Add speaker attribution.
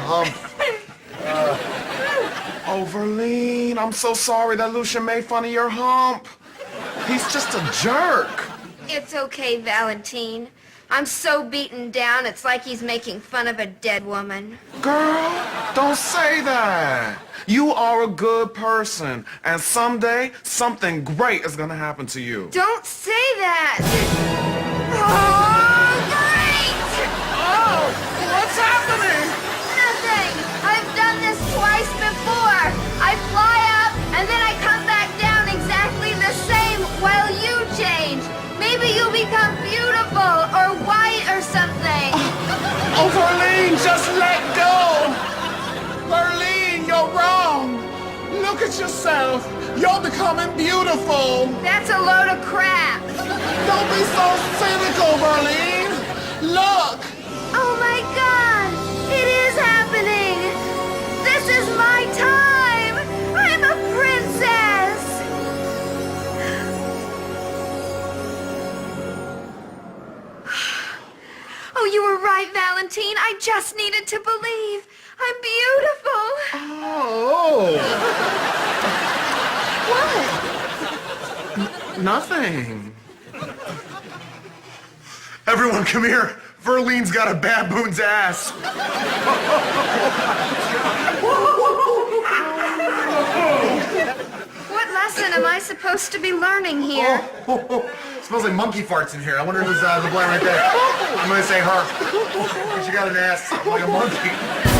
Speaker 1: hump.
Speaker 2: Oh, Verlene, I'm so sorry that Lucian made fun of your hump. He's just a jerk.
Speaker 3: It's okay, Valentine. I'm so beaten down, it's like he's making fun of a dead woman.
Speaker 2: Girl, don't say that. You are a good person, and someday something great is gonna happen to you.
Speaker 3: Don't say that! Oh, great!
Speaker 2: Oh, what's happening?
Speaker 3: Nothing! I've done this twice before. I fly up, and then I come back down exactly the same while you change. Maybe you'll become beautiful or white or something.
Speaker 2: Oh, Verlene, just let go. Verlene, you're wrong. Look at yourself. You're becoming beautiful.
Speaker 3: That's a load of crap.
Speaker 2: Don't be so cynical, Verlene. Look.
Speaker 3: Oh my God! It is happening! This is my time! I'm a princess! Oh, you were right, Valentine. I just needed to believe. I'm beautiful.
Speaker 2: Oh.
Speaker 3: What?
Speaker 2: Nothing.
Speaker 1: Everyone, come here. Verlene's got a baboon's ass.
Speaker 3: What lesson am I supposed to be learning here?
Speaker 1: Smells like monkey farts in here. I wonder who's the blind right there. I'm gonna say her. She got an ass like a monkey.